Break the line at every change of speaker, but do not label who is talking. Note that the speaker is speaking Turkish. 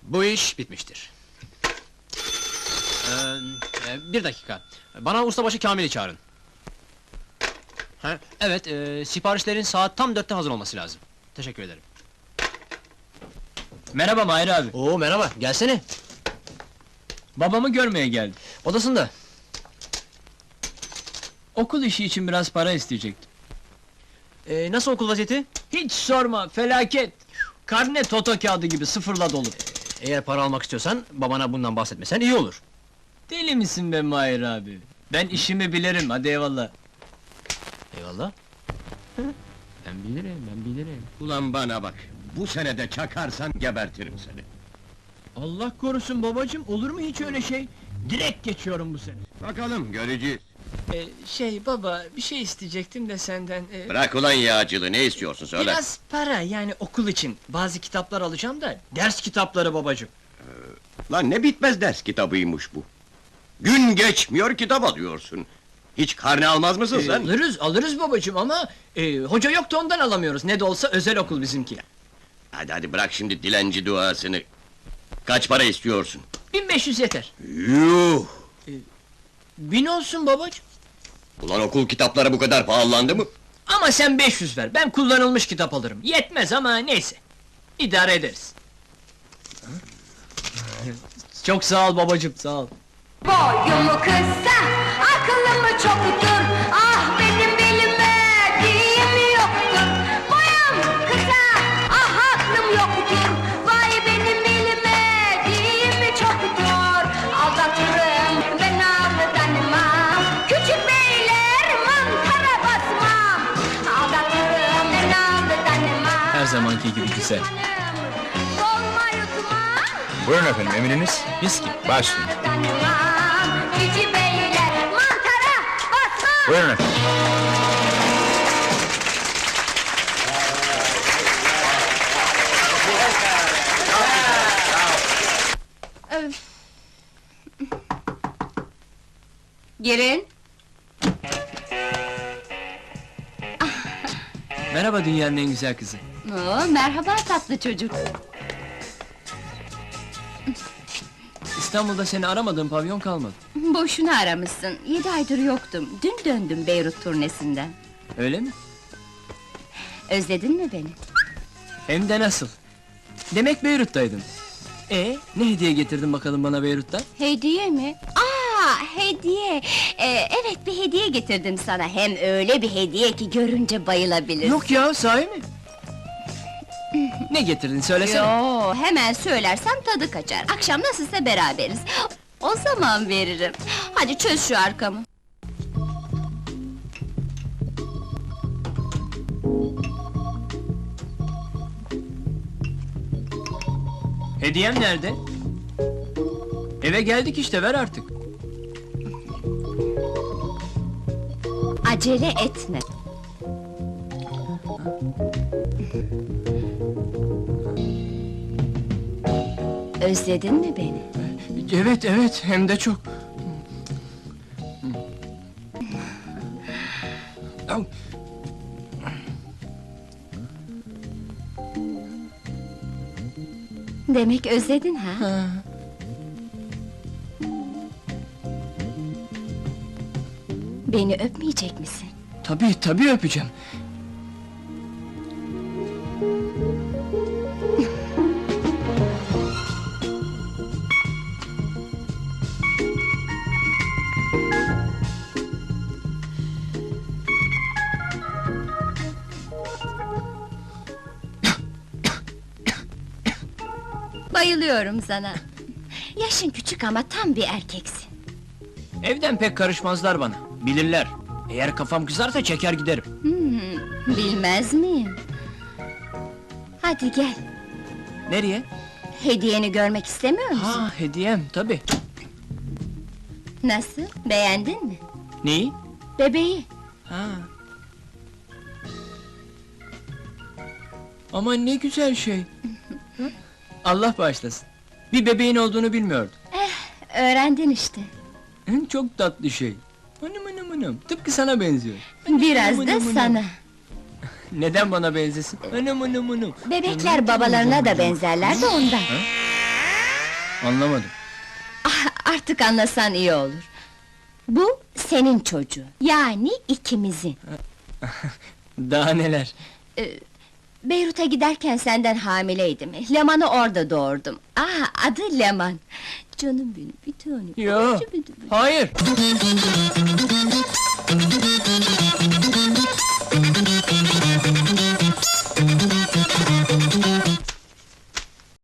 Bu iş bitmiştir. Bir dakika. Bana ustabaşı Kamil'i çağırın. Ha, evet, siparişlerin saat tam 4'te hazır olması lazım. Teşekkür ederim.
Merhaba Mahir abi.
Oo, merhaba, gelsene.
Babamı görmeye geldim.
Odasında.
Okul işi için biraz para isteyecektim.
Nasıl okul vaziyeti?
Hiç sorma, felaket! Karne toto kağıdı gibi sıfırla dolu.
Eğer para almak istiyorsan, babana bundan bahsetmesen iyi olur.
Deli misin be Mahir abi? Ben işimi bilirim, hadi eyvallah.
Eyvallah.
Ben bilirim.
Ulan bana bak, bu senede çakarsan gebertirim seni.
Allah korusun babacığım, olur mu hiç öyle şey? Direkt geçiyorum bu sene.
Bakalım, göreceğiz.
Baba, bir şey isteyecektim de senden...
Bırak ulan yağcılığı, ne istiyorsun söyle.
Biraz para, yani okul için. Bazı kitaplar alacağım da, ders kitapları babacığım.
Lan ne bitmez ders kitabıymış bu. Gün geçmiyor kitap alıyorsun. Hiç karne almaz mısın sen?
Alırız babacığım ama... hoca yok da ondan alamıyoruz, ne de olsa özel okul bizimki.
Hadi bırak şimdi dilenci duasını. Kaç para istiyorsun?
1500 yeter.
Yuh!
1000 olsun babacığım.
Ulan okul kitapları bu kadar pahalandı mı?
Ama sen 500 ver, ben kullanılmış kitap alırım. Yetmez ama neyse. İdare ederiz. Çok sağ ol babacığım, sağ ol.
Boyumu kısa, akıllımı çoktur. Ah benim bilime diyemi yoktur. Boyum kısa, ah aklım yoktur. Vay benim bilime diyemi çoktur. Aldatırım ben aldanmam. Küçük beyler mantara basmam. Aldatırım ben aldanmam.
Her zamanki gibi güzel.
Dolma yutmam.
Buyurun efendim, emriniz?
Viski.
Başlayın.
Cici beyler mantara basmam.
Buyurun efendim.
Girin.
Merhaba dünyanın en güzel kızı.
Oo, merhaba tatlı çocuk.
İstanbul'da seni aramadığım pavyon kalmadı.
Boşuna aramışsın. 7 aydır yoktum. Dün döndüm Beyrut turnesinden.
Öyle mi?
Özledin mi beni?
Hem de nasıl? Demek Beyrut'taydın. Ne hediye getirdin bakalım bana Beyrut'tan?
Hediye mi? Hediye. Evet, bir hediye getirdim sana. Hem öyle bir hediye ki görünce bayılabilirsin.
Yok ya, sahi mi? Ne getirdin söylesene.
Yo, hemen söylersem tadı kaçar. Akşam nasılsa beraberiz. O zaman veririm. Hadi çöz şu arkamı.
Hediyem nerede? Eve geldik işte, ver artık.
Acele etme. Özledin mi beni?
Evet, hem de çok.
Demek özledin ha? Beni öpmeyecek misin?
Tabii öpeceğim.
Bayılıyorum sana. Yaşın küçük ama tam bir erkeksin.
Evden pek karışmazlar bana, bilirler. Eğer kafam kızarsa çeker giderim.
Bilmez miyim? Hadi gel.
Nereye?
Hediyeni görmek istemiyor musun?
Ha, hediyem, tabii.
Nasıl? Beğendin mi?
Neyi?
Bebeği.
Ha. Aman ne güzel şey. Allah bağışlasın. Bir bebeğin olduğunu bilmiyordum.
Öğrendin işte.
Çok tatlı şey. Hanım, tıpkı sana benziyor.
Biraz da sana.
Neden bana benzesin? Hanım.
Bebekler babalarına da benzerler de ondan.
Anlamadım.
Artık anlasan iyi olur. Bu senin çocuğun, yani ikimizin.
Daha neler?
Beyrut'a giderken senden hamileydim. Leman'ı orada doğurdum. Adı Leman. Canım benim, bir tanem.
Yo,
Canım benim.
hayır!